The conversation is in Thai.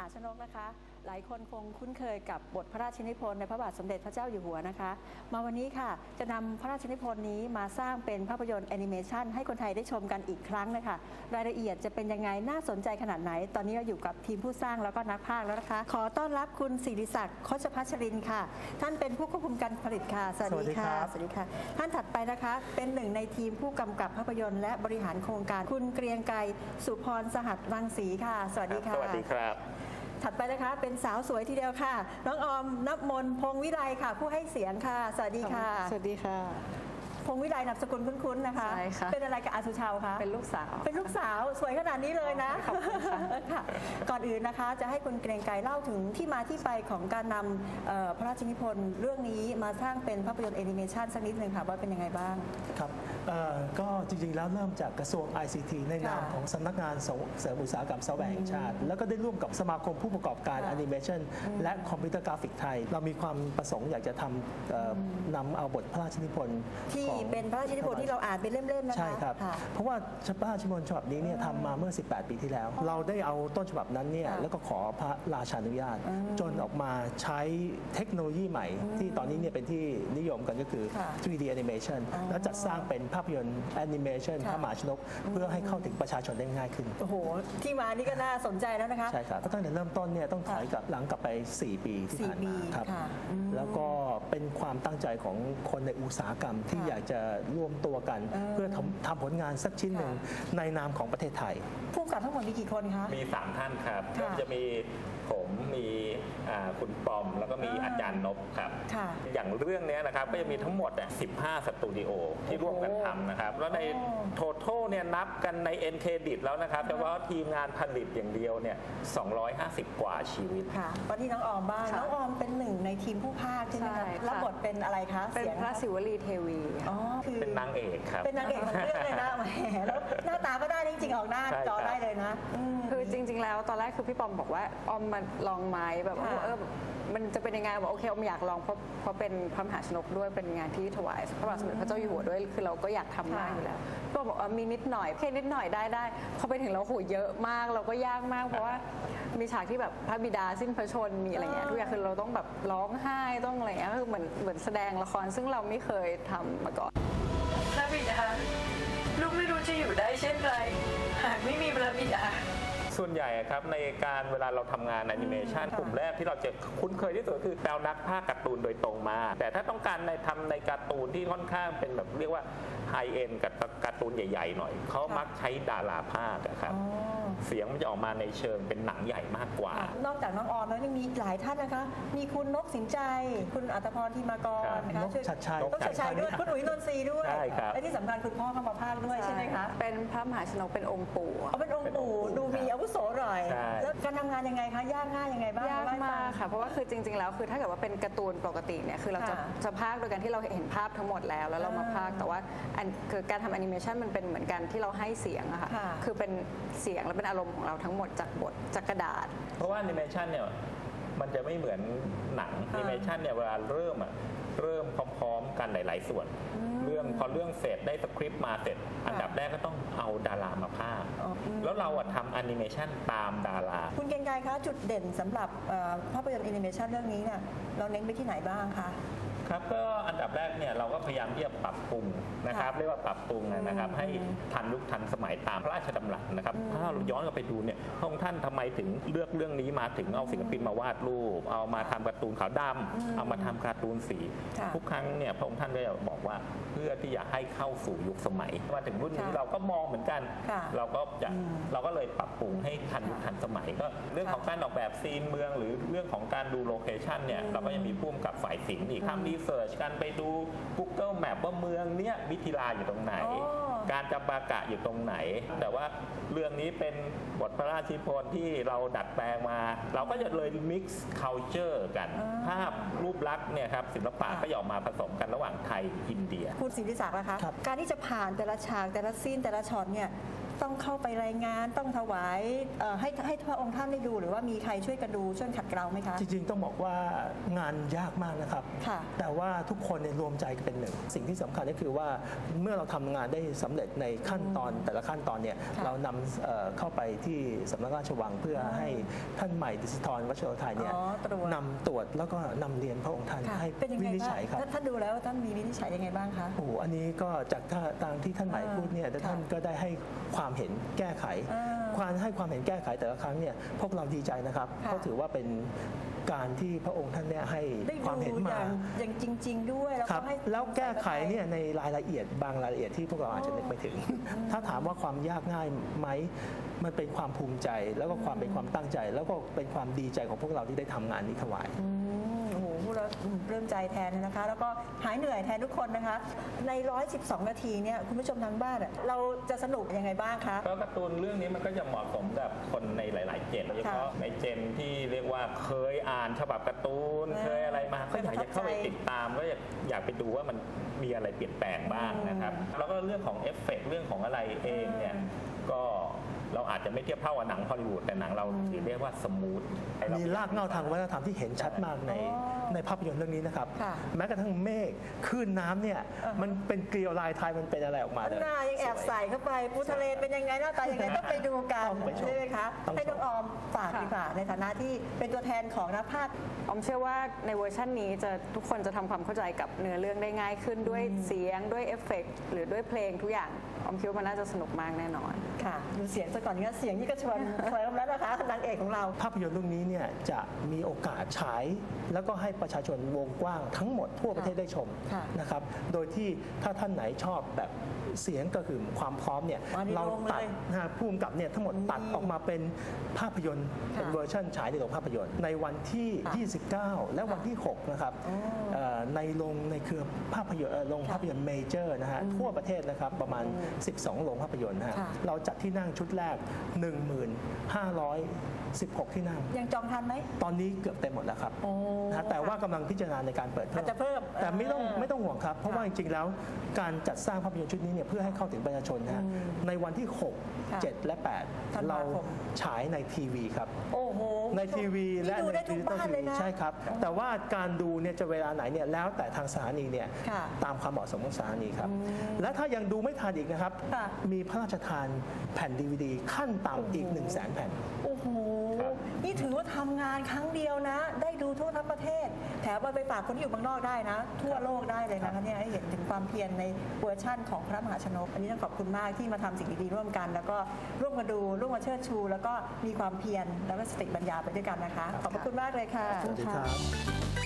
าชนกนะคะหลายคนคงคุ้นเคยกับบทพระราชนิพนธ์ในพระบาทสมเด็จพระเจ้าอยู่หัวนะคะมาวันนี้ค่ะจะนำพระราชนิพนธ์นี้มาสร้างเป็นภาพยนตร์แอนิเมชันให้คนไทยได้ชมกันอีกครั้งนะคะรายละเอียดจะเป็นยังไงน่าสนใจขนาดไหนตอนนี้เราอยู่กับทีมผู้สร้างแล้วก็นักพากย์แล้วนะคะขอต้อนรับคุณศิริศักดิ์โคชพัชรินทร์ค่ะท่านเป็นผู้ควบคุมการผลิตค่ะสวัสดีค่ะสวัสดีค่ะท่านถัดไปนะคะเป็นหนึ่งในทีมผู้กำกับภาพยนตร์และบริหารโครงการคุณเกรียงไกรสุพรสหัสรังสีค่ะสวัสดีค่ะสวัสดีครับถัดไปนะคะเป็นสาวสวยทีเดียวค่ะน้องออมณมนพงษ์วิไลค่ะผู้ให้เสียงค่ะสวัสดีค่ะสวัสดีค่ะพงษ์วิไลนามสกุลคุ้นๆนะคะใช่ค่ะเป็นอะไรกับอาสุชาวคะเป็นลูกสาวเป็นลูกสาวสวยขนาดนี้เลยนะขอบคุณค่ะก่อนอื่นนะคะจะให้คุณเกรียงไกรเล่าถึงที่มาที่ไปของการนำพระราชนิพนธ์เรื่องนี้มาสร้างเป็นภาพยนตร์แอนิเมชันสักนิดหนึ่งค่ะว่าเป็นยังไงบ้างครับก็จริงๆแล้วเริ่มจากกระทรวง ICT ในนามของสำนักงานเสริมอุตสาหกรรมซอฟต์แวร์แห่งชาติแล้วก็ได้ร่วมกับสมาคมผู้ประกอบการแอนิเมชันและคอมพิวเตอร์กราฟิกไทยเรามีความประสงค์อยากจะนำเอาบทพระราชนิพนธ์ที่เป็นพระราชนิพนธ์ที่เราอ่านเป็นเล่มๆนะคะใช่ครับเพราะว่าพระราชนิพนธ์ฉบับนี้เนี่ยทำมาเมื่อ18 ปีที่แล้วเราได้เอาต้นฉบับนั้นเนี่ยแล้วก็ขอพระราชานุญาตจนออกมาใช้เทคโนโลยีใหม่ที่ตอนนี้เนี่ยเป็นที่นิยมกันก็คือ 3D animation แล้วจัดสร้างเป็นภาพยนตร์แอนิเมชันพระมหาชนกเพื่อให้เข้าถึงประชาชนได้ง่ายขึ้นโอ้โหที่มานี่ก็น่าสนใจแล้วนะคะใช่ครับตั้งแต่เริ่มต้นเนี่ยต้องถอยหลังกลับไป4 ปีที่ผ่านมาครับแล้วก็เป็นความตั้งใจของคนในอุตสาหกรรมที่อยากจะร่วมตัวกันเพื่อทำผลงานสักชิ้นหนึ่งในนามของประเทศไทยผู้กำกับทั้งหมดมีกี่คนคะมี3ท่านครับก็จะมีผมมีคุณปอมแล้วก็มีอาจารย์นพครับอย่างเรื่องนี้นะครับก็จะมีทั้งหมด15 สตูดิโอที่ร่วมกันทำนะครับแล้วในโททัลเนี่ยนับกันใน End Credit แล้วนะครับแต่ว่าทีมงานผลิตอย่างเดียวเนี่ย250 กว่าชีวิตค่ะวันนี้น้องออมบ้างน้องออมเป็นหนึ่งในทีมผู้พากย์ใช่ไหมคะรับบทเป็นอะไรคะเป็นพระศิวลีเทวีเป็นนางเอกครับเป็นนางเอกของเรื่องเลยนะแหมแล้วหน้าตาก็ได้จริงๆออกหน้าจอได้เลยนะคือจริงๆแล้วตอนแรกคือพี่ปอมบอกว่าออมมาลองไม้แบบมันจะเป็นยังไงบอกโอเคออมอยากลองเพราะเป็นพระมหาชนกด้วยเป็นงานที่ถวายพระบาทสมเด็จพระเจ้าอยู่หัวด้วยคือเราก็อยากทำมากอยู่แล้วก็บอกมีนิดหน่อยแค่นิดหน่อยได้พอไปถึงเราโหเยอะมากเราก็ยากมากเพราะว่ามีฉากที่แบบพระบิดาสิ้นพระชนมีอะไรเงี้ยทุกอย่างคือเราต้องแบบร้องไห้ต้องอะไรเงี้ยคือเหมือนแสดงละครซึ่งเราไม่เคยทำมาก่อนพระบิดาลูกไม่รู้จะอยู่ได้เช่นไรหากไม่มีพระบิดาส่วนใหญ่ครับในการเวลาเราทำงานแอนิเมชันกลุ่มแรกที่เราจะคุ้นเคยที่สุดคือแปลนักภาคการ์ตูนโดยตรงมาแต่ถ้าต้องการทำในการ์ตูนที่ค่อนข้างเป็นแบบเรียกว่าไฮเอ็นกับการ์ตูนใหญ่ๆหน่อยเขามักใช้ดาราภาคครับเสียงมันจะออกมาในเชิงเป็นหนังใหญ่มากกว่านอกจากน้องออมแล้วยังมีหลายท่านนะคะมีคุณนกสินใจคุณอัตพรธีมากรนะคะนกชัดชัยด้วยคุณอุ๋ยนนทรีด้วยและที่สำคัญคุณพ่อเข้ามาพากย์ด้วยใช่ไหมคะเป็นพระมหาชนกเป็นองค์ปู่เป็นองค์ปู่ดูมีอาวุโสหน่อยแล้วการทำงานยังไงคะยากง่ายยังไงบ้างยากมากค่ะเพราะว่าคือจริงๆแล้วคือถ้าเกิดว่าเป็นการ์ตูนปกติเนี่ยคือเราจะพากย์โดยการที่เราเห็นภาพทั้งหมดแล้วเรามาพากย์แต่ว่าคือการทำแอนิเมชันมันเป็นเหมือนกันที่เราให้เสียงอะค่ะคือเป็นเสียงและเป็นอารมณ์ของเราทั้งหมดจากบทจากกระดาษเพราะว่าแอนิเมชันเนี่ยมันจะไม่เหมือนหนังแอนิเมชันเนี่ยเวลาเริ่มพร้อมๆกันหลายๆส่วนพอเรื่องเสร็จได้สคริปต์มาเสร็จอันดับแรกก็ต้องเอาดารามาพากย์แล้วเราทำแอนิเมชันตามดาราคุณเกรียงไกรคะจุดเด่นสำหรับภาพยนตร์แอนิเมชันเรื่องนี้เนี่ยเราเน้นไปที่ไหนบ้างคะครับก็อันดับแรกเนี่ยเราก็พยายามที่จะปรับปรุงนะครับเรียกว่าปรับปรุงนะครับให้ทันยุคทันสมัยตามพระราชดำรัสนะครับถ้าเราย้อนกลับไปดูเนี่ยพระองค์ท่านทำไมถึงเลือกเรื่องนี้มาถึงเอาศิลปินมาวาดรูปเอามาทำการ์ตูนขาวดำเอามาทำการ์ตูนสีทุกครั้งเนี่ยพระองค์ท่านก็จะบอกว่าเพื่อที่จะให้เข้าสู่ยุคสมัยมาถึงรุ่นนี้เราก็มองเหมือนกันเราก็เลยปรับปรุงให้ทันยุคทันสมัยก็เรื่องของการออกแบบซีนเมืองหรือเรื่องของการดูโลเคชั่นเนี่ยเราก็ยังมีผู้กำกับฝ่ายศิลป์อีกทำรีเสิร์ชกันไปดู Google Map ว่าเมืองเนี้ยมิถิลาอยู่ตรงไหนการจำปากะอยู่ตรงไหนแต่ว่าเรื่องนี้เป็นบทพระราชนิพนธ์ที่เราดัดแปลงมาเราก็จะเลย mix culture กันภาพรูปลักษณ์เนี่ยครับศิลปะก็ออกมาผสมกันระหว่างไทยอินเดียคุณศิริศักดิ์นะคะการที่จะผ่านแต่ละฉากแต่ละซีนแต่ละช็อตเนี่ยต้องเข้าไปรายงานต้องถวายให้พระองค์ท่านได้ดูหรือว่ามีใครช่วยกันดูช่วยขัดเกลาไหมคะจริงๆต้องบอกว่างานยากมากนะครับค่ะแต่ว่าทุกคนเนี่ยรวมใจกันเป็นหนึ่งสิ่งที่สำคัญก็คือว่าเมื่อเราทำงานได้สำเร็จในขั้นตอนแต่ละขั้นตอนเนี่ยค่ะเรานำเข้าไปที่สำนักราชวังเพื่อให้ท่านใหม่ดิสิธรวัชโรไทยเนี่ยตรวจนำตรวจแล้วก็นำเรียนพระองค์ท่านค่ะให้เป็นยังวิไงนิจบ้างฉัยครับท่านดูแล้วท่านมีวินิจฉัยยังไงบ้างคะโอ้โหอันนี้ก็จากตามที่ท่านใหม่พูดเนี่ยค่ะท่านก็ได้ให้ความเห็นแก้ไข ความให้ความเห็นแก้ไขแต่ละครั้งเนี่ยพวกเราดีใจนะครับค่ะเพราะถือว่าเป็นการที่พระองค์ท่านเนี่ยให้ได้ความเห็นดูมาอย่างจริง ๆ ด้วยแล้วครัก็บให้แล้วแก้ไขเนี่ยในรายละเอียดบางรายละเอียดที่พวกเราอาจจะนึกไม่ถึง ถ้าถามว่าความยากง่ายไหมมันเป็นความภูมิใจ แล้วก็ความเป็นความตั้งใจ แล้วก็เป็นความดีใจของพวกเราที่ได้ทำงานนี้ถวายโอ้โหพูดแล้วปลื้มใจแทนนะคะ แล้วก็หายเหนื่อยแทนทุกคนนะคะ ใน 112 นาทีเนี่ยคุณผู้ชมทางบ้านอะเราจะสนุกยังไงบ้างคะก็การ์ตูนเรื่องนี้มันก็จะเหมาะสมกับคนในหลาย ๆ เจนโดยเฉพาะค่ะในเจนที่เรียกว่าเคยอ่านฉบับการ์ตูน เคยอะไรมาก็อยากจะเข้าไปติดตามก็อยากไปดูว่ามันมีอะไรเปลี่ยนแปลงบ้างนะครับ แล้วก็เรื่องของเอฟเฟกต์เรื่องของอะไรเองเนี่ยก็เราอาจจะไม่เทียบเท่ากับหนังฮอลลีวูดแต่หนังเราถือเรียกว่าสมูทมีรากเหง้าทางวัฒนธรรมที่เห็นชัดมากในภาพยนตร์เรื่องนี้นะครับค่ะแม้กระทั่งเมฆคลื่นน้ำเนี่ยมันเป็นเกลียวลายไทยมันเป็นอะไรออกมาเลยหน้ายังแอบใส่เข้าไปปูทะเลเป็นยังไงหน้าตายังไงต้องไปดูกันต้องไปชมใช่ไหมคะต้องชมให้น้องออมฝากค่ะดีกว่าในฐานะที่เป็นตัวแทนของนักภาคออมเชื่อว่าในเวอร์ชันนี้ทุกคนจะทำความเข้าใจกับเนื้อเรื่องได้ง่ายขึ้นด้วยเสียงด้วยเอฟเฟกต์หรือด้วยเพลงทุกอย่างออมคิดว่ามันน่าจะสนุกมากแน่นอนค่ะดูเสียงซะก่อนเนี่ยเสียงนี่ก็ชวนเคลิ้มแล้วนะคะนางเอกของเราภาพยนตร์เรื่องนี้เนี่ยจะมีโอกาสฉาย แล้วก็ให้ประชาชนวงกว้างทั้งหมดทั่วประเทศได้ชมค่ะนะครับ โดยที่ถ้าท่านไหนชอบแบบเสียงก็คือความพร้อมเนี่ยมาในเราโรงเลยตัดผู้กำกับเนี่ยทั้งหมดตัดออกมาเป็นภาพยนตร์เป็นเวอร์ชันฉายในโรงภาพยนตร์ในวันที่ 29 และวันที่ 6 นะครับในโรงในเครือภาพยนตร์โรงภาพยนตร์เมเจอร์นะฮะทั่วประเทศนะครับประมาณ 12 โรงภาพยนตร์นะฮะค่ะเราจัดที่นั่งชุดแรก 1516 ที่นั่งยังจองทันไหมตอนนี้เกือบเต็มหมดแล้วครับโอ้นะฮะแต่ว่ากำลังพิจารณาในการเปิดเพิ่อาจจะเพิ่มแต่ไม่ต้องห่วงครับ เพราะว่าจริงๆแล้วการจัดสร้างภาพยนตร์ชุดนี้เนี่ยเพื่อให้เข้าถึงประชาชนนะฮะในวันที่ค่ะ 6 7 และธัน 8 วาเราคมฉายในทีวีครับโอ้โหในทีวีและนี่ดูในได้ทุกบ้านเลยนะใช่ครับ แต่ว่าการดูเนี่ยจะเวลาไหนเนี่ยแล้วแต่ทางสถานีเนี่ยค่ะตามความเหมาะสมของสถานีครับ และถ้ายังดูไม่ทันอีกนะครับค่ะมีพระราชทานแผ่น DVD ขั้นต่ำอีก 100,000 แผ่นโอ้โห นี่ถือว่าทำงานครั้งเดียวนะ ได้ดูทั่วทั้งประเทศ แถมไปฝากคนที่อยู่บางนอกได้นะ ทั่วโลกได้เลยนะคะเนี่ยให้เห็นถึงความเพียรในเวอร์ชั่นของพระมหาชนก อันนี้ต้องขอบคุณมากที่มาทำสิ่งดีๆร่วมกัน แล้วก็ร่วมมาดูร่วมมาเชิดชู แล้วก็มีความเพียรแล้วก็สติปัญญาไปด้วยกันนะคะ ขอบพระคุณมากเลยค่ะสวัสดีครับ